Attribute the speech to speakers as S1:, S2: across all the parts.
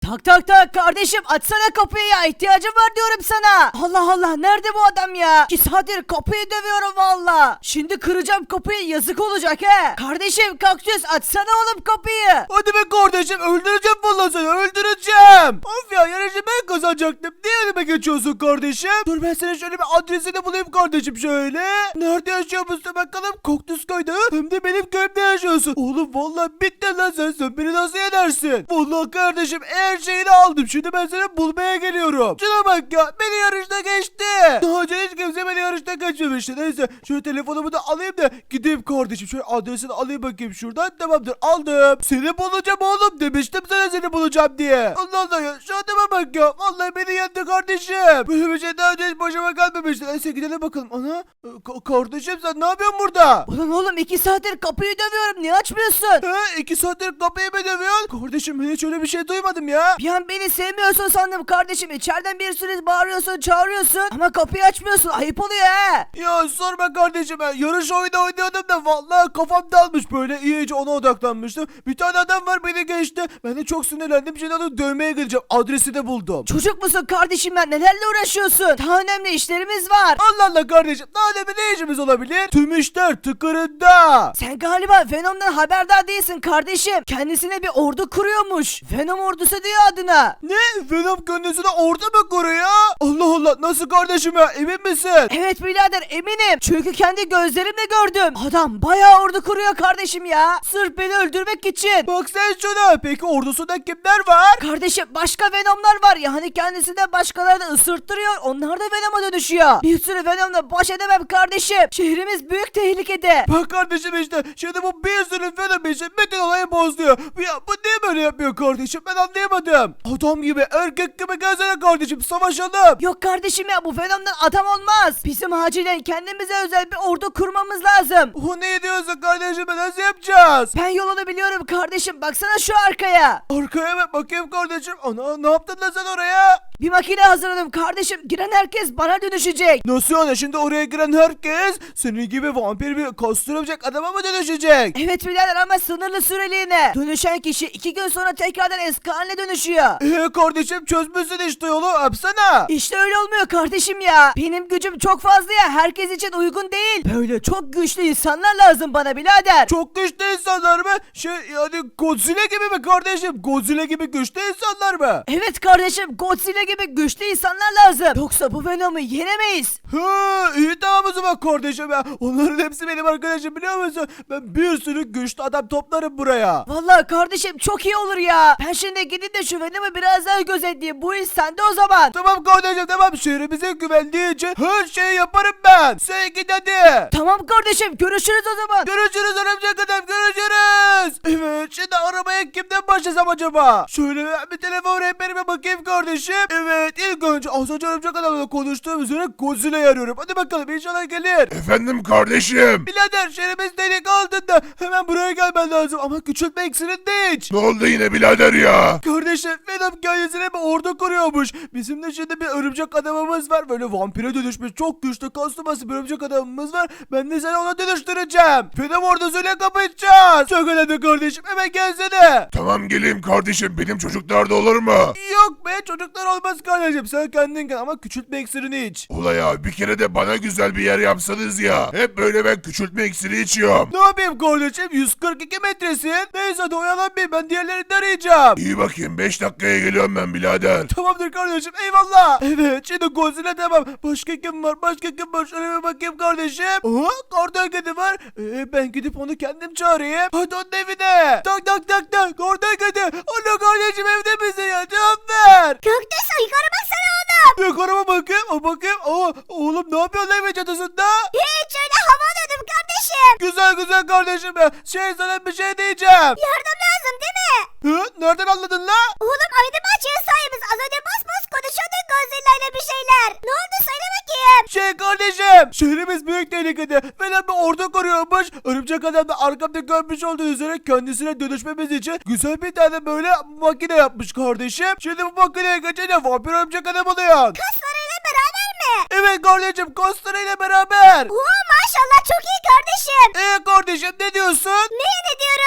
S1: Tak tak tak kardeşim, açsana kapıyı ya, ihtiyacım var diyorum sana. Allah Allah, nerede bu adam ya? 2 saattir kapıyı dövüyorum valla. Şimdi kıracağım kapıyı, yazık olacak he. Kardeşim Kaktüs, açsana oğlum kapıyı.
S2: Hadi be kardeşim, öldüreceğim vallahi seni, öldüreceğim. Of ya, yarışı ben kazanacaktım. Niye önüme geçiyorsun kardeşim? Dur ben senin şöyle bir adresini bulayım kardeşim şöyle. Nerede yaşıyor musun bakalım? Kaktüs köyde. Hem de benim köyümde yaşıyorsun. Oğlum vallahi bittin lan sen beni nasıl yenersin? Vallahi kardeşim her şeyini aldım. Şimdi ben seni bulmaya geliyorum. Şuna bak ya, beni yarışta geçti. Daha önce hiç kimse beni yarışta geçmemişti. Neyse şöyle telefonumu da alayım da gideyim kardeşim. Şöyle adresini alayım bakayım şuradan. Tamamdır, aldım. Seni bulacağım oğlum, demiştim sana seni bulacağım diye. Allah Allah ya, şu adama bak ya. Vallahi beni yendi kardeşim. Böyle bir şey daha önce hiç başıma gelmemişti. Neyse gidelim bakalım. Ana kardeşim sen ne yapıyorsun burada?
S1: Ulan oğlum, 2 saattir kapıyı dövüyorum, niye açmıyorsun?
S2: He, 2 saattir kapıyı mı dövüyorsun? Kardeşim ben hiç öyle bir şey duymadım ya.
S1: Bir an beni sevmiyorsun sandım kardeşim. İçeriden bir sürü bağırıyorsun, çağırıyorsun ama kapıyı açmıyorsun. Ayıp oluyor he.
S2: Ya sorma kardeşim, ben yarış oyunu oynuyordum da vallahi kafam dalmış, böyle iyice ona odaklanmıştım. Bir tane adam var, beni geçti. Ben de çok sinirlendim. Şimdi onu dövmeye gideceğim. Adresi de buldum.
S1: Çocuk musun kardeşim ben? Nelerle uğraşıyorsun? Daha önemli işlerimiz var.
S2: Allah Allah kardeşim, daha ne işimiz olabilir? Tüm işler tıkırında.
S1: Sen galiba Venom'dan haberdar değilsin kardeşim. Kendisine bir ordu kuruyormuş. Venom ordusu diyor adına.
S2: Ne? Venom kendisine ordu mu kuruyor? Allah Allah, nasıl kardeşim ya, emin misin?
S1: Evet birader, eminim. Çünkü kendi gözlerimle gördüm. Adam bayağı ordu kuruyor kardeşim ya. Sırf beni öldürmek için.
S2: Bak sen şuna. Peki ordusunda kimler var?
S1: Kardeşim başka Venom'lar var ya, hani kendisinden başkalarını ısırttırıyor. Onlar da Venom'a dönüşüyor. Bir sürü Venom'la baş edemem kardeşim. Şehrimiz büyük tehlikede.
S2: Bak kardeşim işte. Şimdi bu bir sürü Venom için bütün olayı bozuyor. Ya bu niye böyle yapıyor kardeşim? Ben anlayamadım. Adam gibi, erkek gibi gelsene kardeşim, savaşalım.
S1: Yok kardeşim ya, bu Venom'dan adam olmaz. Bizim acilen kendimize özel bir ordu kurmamız lazım.
S2: O ne diyorsun kardeşim, nasıl yapacağız?
S1: Ben yolunu biliyorum kardeşim, baksana şu arkaya.
S2: Arkaya bak bakayım kardeşim. Ana, ne yaptın lan sen oraya?
S1: Bir makine hazırladım kardeşim. Giren herkes bana dönüşecek.
S2: Nasıl yani, şimdi oraya giren herkes senin gibi vampir bir kostürümcek adama mı dönüşecek?
S1: Evet birader, ama sınırlı süreliğine. Dönüşen kişi 2 gün sonra tekrardan eski haline dönüşüyor.
S2: Kardeşim çözmüşsün işte yolu, yapsana.
S1: İşte öyle olmuyor kardeşim ya. Benim gücüm çok fazla ya, herkes için uygun değil. Böyle çok güçlü insanlar lazım bana birader.
S2: Çok güçlü insanlar mı? Yani Godzilla gibi mi kardeşim? Godzilla gibi güçlü insanlar mı?
S1: Evet kardeşim, Godzilla gibi güçlü insanlar lazım. Yoksa bu Venom'u yenemeyiz.
S2: İyi tamam o zaman kardeşim ya. Onların hepsi benim arkadaşım, biliyor musun? Ben bir sürü güçlü adam toplarım buraya.
S1: Vallahi kardeşim çok iyi olur ya. Ben şimdi gidip de şu Venom'u biraz daha gözetleyeyim. Bu iş sende o zaman.
S2: Tamam kardeşim tamam, şehrimizin güvenliği için her şeyi yaparım ben. Sen git hadi.
S1: Tamam kardeşim, görüşürüz o zaman.
S2: Görüşürüz örümcek adam, görüşürüz. Evet, şimdi arabaya kimden başlasam acaba? Şöyle bir telefon rehberime bakayım kardeşim. Evet, ilk önce az önce örümcek adamla konuştuğum üzere Godzilla'yı arıyorum. Hadi bakalım, inşallah gelir.
S3: Efendim kardeşim.
S2: Birader, şehrimiz delik altında. Hemen buraya gelmen lazım ama küçültme iksirinde hiç.
S3: Ne oldu yine birader ya?
S2: Kardeşim Venom kendisine bir ordu kuruyormuş. Bizim de şimdi bir örümcek adamımız var. Böyle vampire dönüşmüş çok güçlü kaslı bir örümcek adamımız var. Ben de seni ona dönüştüreceğim. Venom ordusuyla kapışacağız. Çok önemli kardeşim, hemen gelsene.
S3: Tamam geleyim kardeşim, benim çocuklar da olur mu?
S2: Yok be, çocuklar olmaz kardeşim. Sen kendin gel ama küçültme iksirini iç.
S3: Ula ya, bir kere de bana güzel bir yer yapsanız ya. Hep böyle ben küçültme iksiri içiyorum.
S2: Ne yapayım kardeşim, 142 metresin. Neyse hadi oyalanmayayım, ben diğerlerini de arayacağım.
S3: İyi bakayım, 5 dakikaya geliyorum ben birader.
S2: Tamamdır kardeşim, eyvallah. Evet, şimdi Godzilla tamam. Başka kim var? Şöyle bir bakayım kardeşim. Kardan kedi var. Ben gidip onu kendim çağırayım. Hadi onun evine. Tak tak tak tak. Kardan kedi. Alo kardeşim, evde misin ya? Cevap ver.
S1: Göktaş, yukarı baksana oğlum.
S2: Yukarıma bakayım. Bakayım. Oğlum ne yapıyorsun evin çatısında?
S1: Hiç, öyle hava dedim kardeşim.
S2: Güzel kardeşim ya. Sana bir şey diyeceğim.
S1: Yardım lazım değil mi?
S2: Nereden anladın la?
S1: Oğlum aydın bahçeye sahibiz. Az önce bas konuşuyorduk Godzilla ile bir şeyler. Ne oldu söyle bakayım.
S2: Kardeşim, şehrimiz büyük tehlikede. Venom bir ordu kuruyormuş. Örümcek adam da arkamda görmüş olduğu üzere kendisine dönüşmemiz için güzel bir tane böyle makine yapmış kardeşim. Şimdi bu makineye geçince vampir örümcek adam oluyor.
S1: Kaslarıyla beraber mi?
S2: Evet kardeşim, kostlarıyla beraber.
S1: Oo maşallah, çok iyi kardeşim.
S2: Kardeşim ne diyorsun?
S1: Ne diyorum?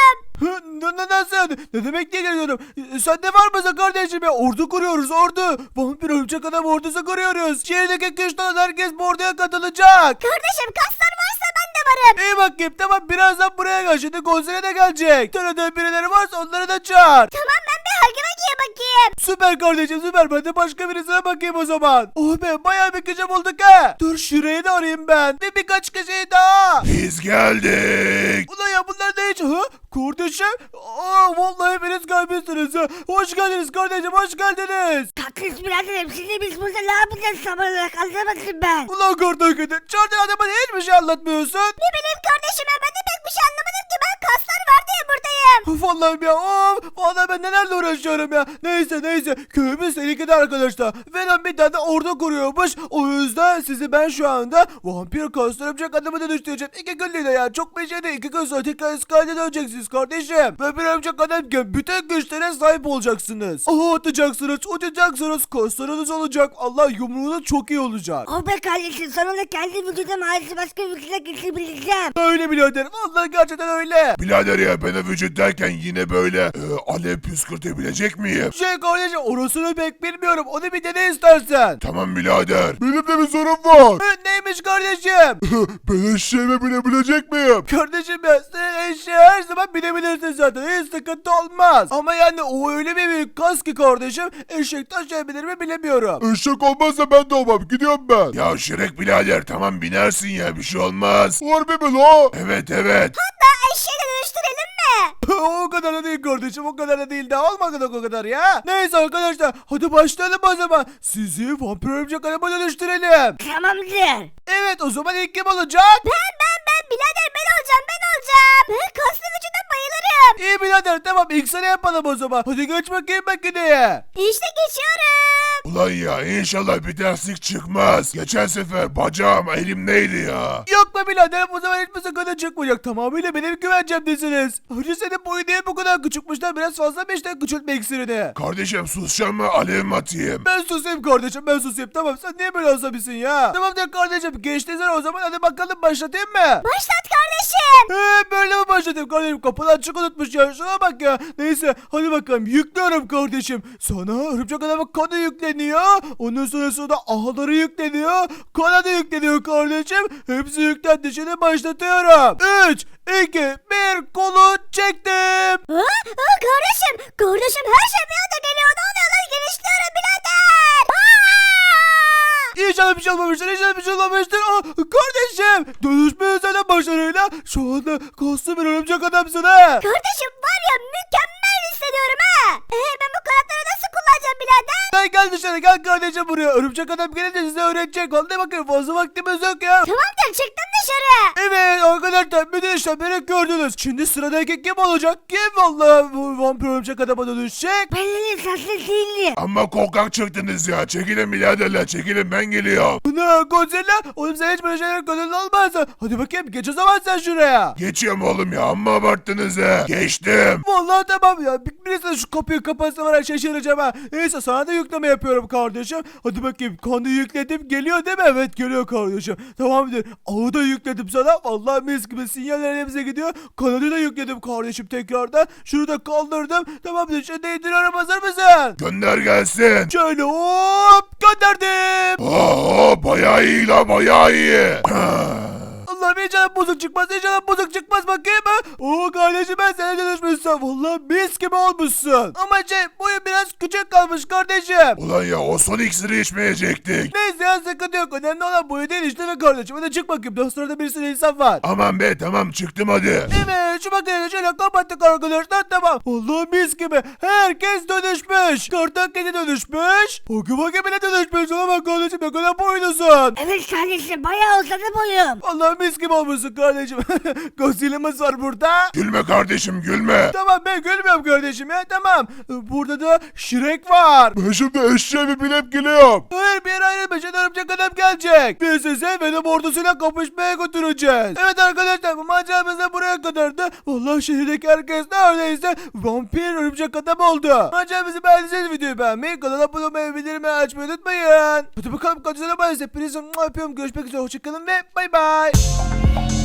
S2: Nasıl yani? Ne demek diye geliyorum. Sende var mı kardeşim ya? Ordu kuruyoruz ordu. Vampir örümcek adam ordusu kuruyoruz. Şehirdeki kıştan herkes bu orduya katılacak.
S4: Kardeşim kaslar varsa ben de varım.
S2: İyi bakayım tamam birazdan buraya gel. Şimdi konsere de gelecek. Tanıdığın birileri varsa onları da çağır.
S4: Tamam ben bir Hagivagi'ye bakayım.
S2: Süper kardeşim süper. Ben de başka birisine bakayım o zaman. Oh be bayağı bir kişi bulduk ha. Dur şurayı da arayayım ben. Ve birkaç kişiyi daha.
S3: Biz geldik.
S2: Ulan ya bunlar ne hiç? Ha? Kardeşim? Vallahi hepiniz kalbisiniz ha. Hoş geldiniz kardeşim hoş geldiniz.
S4: Kaktüs biraderim şimdi biz burada ne yapacağız sabah olarak anlamadım ben.
S2: Ulan kardeşim çağırdığın adama hiçbir şey anlatmıyorsun.
S4: Ne bileyim kardeşim ben de pek bir şey anlamadım ki ben kaslar var diye buradayım.
S2: Vallahi ya vallahi ben nelerle uğraşıyorum ya. Neyse köyümüz tehlikede arkadaşlar. Venom bir tane ordu kuruyormuş. O yüzden sizi ben şu anda vampir kastırımcak adamı dönüştüreceğim. 2 günlüğüne ya çok bir şey değil. 2 gün sonra tekrar iskalede döneceksiniz kardeşim. Vampir örümcek adamken bütün güçlere sahip olacaksınız. Atacaksınız uçacaksınız kaslarınız olacak. Allah yumruğunuz çok iyi olacak.
S4: Oh be kardeşim sonunda kendi vücudum harici başka vücuda geçebileceğim.
S2: Öyle birader vallahi gerçekten öyle.
S3: Birader ya ben o vücut derken yine böyle alev püskürtebilecek miyim?
S2: Kardeşim orasını pek bilmiyorum. Onu bir dene istersen.
S3: Tamam birader. Benim de bir sorum var.
S2: Neymiş kardeşim?
S3: Ben eşeğime binebilecek miyim?
S2: Kardeşim ya sen eşeğe her zaman binebilirsin zaten. Hiç sıkıntı olmaz. Ama yani o öyle bir büyük kas ki kardeşim. Eşekten şey bilir mi bilemiyorum.
S3: Eşek olmazsa ben de olmam. Gidiyorum ben. Ya Şirek birader tamam binersin ya bir şey olmaz. Harbi mi la? Evet.
S4: Hatta eşeğe dönüştürelim mi?
S2: O kadar da değil kardeşim. O kadar da değil. Daha olmadı o kadar ya. Neyse arkadaşlar. Hadi başlayalım o zaman. Sizi vampir örümcek adama dönüştürelim.
S4: Tamamdır.
S2: Evet o zaman ilk kim olacak?
S4: Ben birader ben olacağım. Ben kaslı vücuda bayılırım.
S2: İyi birader tamam ilk sana yapalım o zaman. Hadi geç bakayım makineye.
S4: İşte geçiyorum.
S3: Ulan ya inşallah bir terslik çıkmaz. Geçen sefer bacağım elimdeydi ya.
S2: Yok be birader bu sefer hiçbir sıkıntı çıkmayacak. Tamamıyla benim güvencemdesiniz. Hacı senin boyu niye bu kadar küçükmüşler? Biraz fazla mı işte küçültme iksirini?
S3: Kardeşim susacağım mı alev mi atayım?
S2: Ben susayım kardeşim ben susayım. Tamam sen niye böyle asabisin ya? Tamam da kardeşim geçtiysen o zaman hadi bakalım başlatayım mı?
S4: Başlat kardeşim.
S2: Böyle mi başlatayım kardeşim? Kapıdan çık unutmuş ya. Şuna bak ya. Neyse hadi bakalım yüklüyorum kardeşim. Sana örümcek adamın kanı yükleniyor. Ondan sonrasında da ağları yükleniyor. Kanadı yükleniyor kardeşim. Hepsi yüklendi. Şimdi başlatıyorum. 3, 2, 1 kolu çektim.
S4: Kardeşim her şey bir anda geliyor. Ne oluyor lan genişliyorum birader.
S2: İnşallah bir şey olmamıştır. İnşallah bir şey olmamıştır. Kardeşim. Dönüşme üzerine başarıyla. Şu anda kaslı bir örümcek adamsın ha.
S4: Kardeşim var ya mükemmel hissediyorum ha. Ben bu kanatları nasıl kullanacağım birader?
S2: Sen gel dışarı gel kardeşim buraya. Örümcek adam gelince size öğretecek. Hadi bakayım fazla vaktimiz yok ya.
S4: Tamamdır çıktım dışarı.
S2: Evet arkadaşlar bütün işlemleri gördünüz. Şimdi sıradaki kim olacak? Kim vallahi bu vampir örümcek adama dönüşecek?
S4: Belli sesli değildi.
S3: Ama korkak çıktınız ya. Çekilin biraderler çekilin ben geliyorum.
S2: Ne Godzilla? Oğlum sen hiç böyle şeyler gönüllü olmazsın. Hadi bakayım geç o zaman sen şuraya.
S3: Geçiyorum oğlum ya amma abarttınız ha. Geçtim.
S2: Vallahi tamam ya. Birisi de şu kapıyı kapatsa var ya şaşıracağım ha. Neyse sana da yükleme yapıyorum kardeşim. Hadi bakayım kanı yükledim. Geliyor değil mi? Evet geliyor kardeşim. Tamamdır. Ağı da yükledim sana. Vallahi mis gibi sinyallerin hepsi gidiyor. Kanadı da yükledim kardeşim tekrardan. Şunu da kaldırdım. Tamamdır. Şimdi indiriyorum hazır mısın?
S3: Gönder gelsin.
S2: Şöyle hop gönderdim.
S3: Bayağı iyi la bayağı iyi.
S2: Allah'ım inşallah bozuk çıkmaz. İnşallah bozuk çıkmaz bakayım ha. Oo kardeşim ben sana dönüşmüşsün. Vallahi mis gibi olmuşsun. Ama boyu biraz küçük kalmış kardeşim.
S3: Ulan ya o son iksiri içmeyecektik.
S2: Neyse ya sıkıntı yok. Önemli olan boyu değil işte be kardeşim. Hadi çık bakayım. Daha sırada bir sürü insan var.
S3: Aman be tamam çıktım hadi.
S2: Evet şu makineyi şöyle kapattık arkadaşlar tamam. Vallahi mis gibi. Herkes dönüşmüş. Kartal kedi dönüşmüş. Pokemon bile dönüşmüş. Ona bak kardeşim ne kadar boylusun.
S4: Evet kardeşim bayağı uzadı boyum.
S2: Vallahi mis gibi olmuşsun kardeşim. Godzilla'mız var burada.
S3: Gülme kardeşim gülme.
S2: Tamam ben gülmüyorum kardeşim ya tamam. Burada da Shrek var.
S3: Ben şimdi eşeğimi binip geliyorum.
S2: Hayır bir yere ayrılmayacak örümcek adam gelecek. Biz size Venom ordusuyla kapışmaya götüreceğiz. Evet arkadaşlar bu maceramız da buraya kadardı. Vallahi şehirdeki herkes neredeyse vampir örümcek adam oldu. Maceramızı beğendiyseniz videoyu beğenmeyi, kanala abone olmayı, bildirimleri açmayı unutmayın. Hadi bakalım kaçına bayız. Hepinizi öpüyorum. Görüşmek üzere. Hoşçakalın ve bay bay.